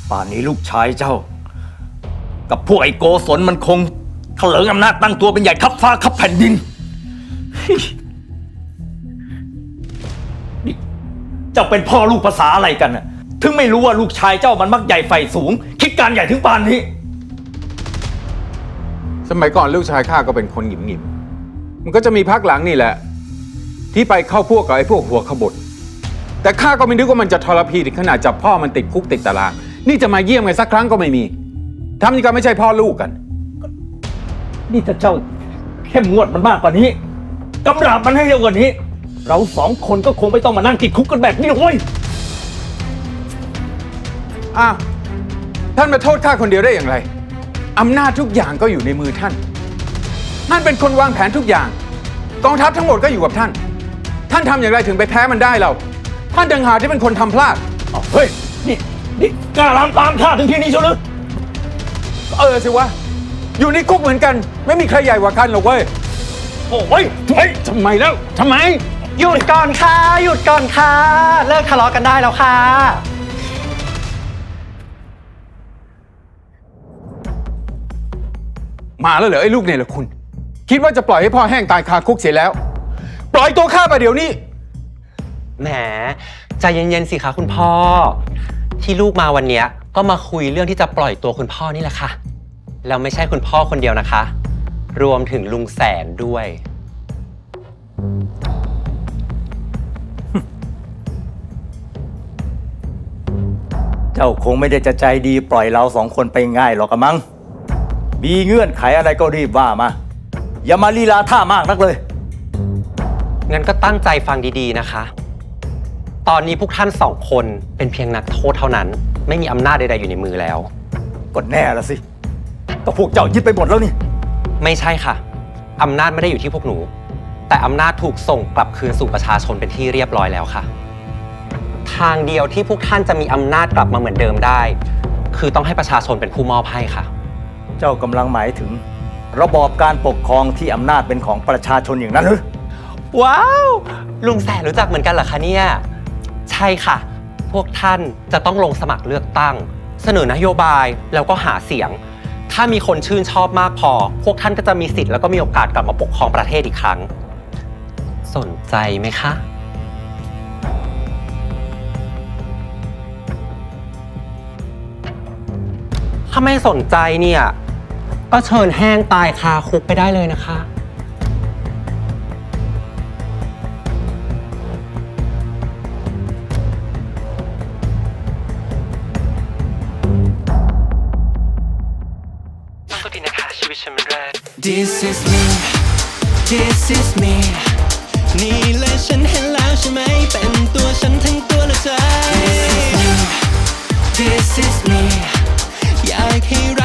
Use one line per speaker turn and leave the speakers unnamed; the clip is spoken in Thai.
ป่านนี้ลูกชายเจ้า กับพวกไอ้โกศลมันคงเถลิงอำนาจตั้งตัวเป็นใหญ่คับฟ้าคับแผ่นดินนี่เจ้าเป็นพ่อลูกภาษาอะไรกันน่ะถึงไม่รู้ว่าลูกชายเจ้ามันมักใหญ่ไฟสูง คิดการใหญ่ถึงป่านนี้
สมัยก่อนลูกชายข้าก็เป็นคนหงิมมันก็จะมีพักหลังนี่แหละที่ไปเข้าพวกกับไอ้พวกหัวขบถแต่ข้าก็ไม่นึกว่ามันจะทรพีถึงขนาดจับพ่อมันติดคุกติดตารางนี่จะมาเยี่ยมกันสักครั้งก็ไม่มีทำนี่ก็ไม่ใช่พ่อลูกกัน
นี่ถ้าเจ้าเข้มงวดมันมากกว่านี้กำราบมันให้เร็วกว่านี้เราสองคนก็คงไม่ต้องมานั่งติดคุกกันแบบนี้หรอกเว้ย
อ้าวท่านมาโทษข้าคนเดียวได้อย่างไรอำนาจทุกอย่างก็อยู่ในมือท่านท่านเป็นคนวางแผนทุกอย่างกองทัพทั้งหมดก็อยู่กับท่านท่านทำอย่างไรถึงไปแพ้มันได้เราท่านต่างหากที่เป็นคนทำพลาด
เฮ้ยนี่กล้าลามตามข้าถึงที่นี้เชียวหรือ
สิวะอยู่ในคุกเหมือนกันไม่มีใครใหญ่กว่ากันหรอกเว้ย
โอ้ยทำไมแล้วทำไม
หยุดก่อนค่ะหยุดก่อนค่ะเลิกทะเลาะกันได้แล้วค่ะ
มาแล้วเหรอไอ้ลูกเนี่ยเหรอคุณคิดว่าจะปล่อยให้พ่อแห้งตายคาคุกเสียแล้วปล่อยตัวข้าไปเดี๋ยวนี้
แหมใจเย็นๆสิคะคุณพ่อที่ลูกมาวันนี้ก็มาคุยเรื่องที่จะปล่อยตัวคุณพ่อนี่แหละค่ะแล้วไม่ใช่คุณพ่อคนเดียวนะคะรวมถึงลุงแสนด้วย
เจ้าคงไม่ได้จะใจดีปล่อยเราสองคนไปง่ายหรอกมั้งมีเงื่อนไขอะไรก็รีบว่ามาอย่ามาลีลาท่ามากนักเลย
งั้นก็ตั้งใจฟังดีๆนะคะตอนนี้พวกท่านสองคนเป็นเพียงนักโทษเท่านั้นไม่มีอำนาจใดๆอยู่ในมือแล้ว
ก็แน่ละสิก็พวกเจ้ายึดไปหมดแล้วนี่
ไม่ใช่ค่ะอำนาจไม่ได้อยู่ที่พวกหนูแต่อำนาจถูกส่งกลับคืนสู่ประชาชนเป็นที่เรียบร้อยแล้วค่ะทางเดียวที่พวกท่านจะมีอำนาจกลับมาเหมือนเดิมได้คือต้องให้ประชาชนเป็นผู้มอบให้ค่ะ
เจ้ากำลังหมายถึงระบอบการปกครองที่อำนาจเป็นของประชาชนอย่างนั้นหรือ
ว้าวลุงแสนรู้จักเหมือนกันเหรอคะเนี่ยใช่ค่ะพวกท่านจะต้องลงสมัครเลือกตั้งเสนอนโยบายแล้วก็หาเสียงถ้ามีคนชื่นชอบมากพอพวกท่านก็จะมีสิทธิ์แล้วก็มีโอกาสกลับมาปกครองประเทศอีกครั้งสนใจไหมคะถ้าไม่สนใจเนี่ยก็เชิญแห้งตายคาคุกไปได้เลยนะคะต้องก็ดีนะคะชีวิตฉันมันแรก
This is me This is me นี่แหละฉันเห็นแล้วใช่ไหมเป็นตัวฉันทั้งตัวและใจ This is me This is me อยากให้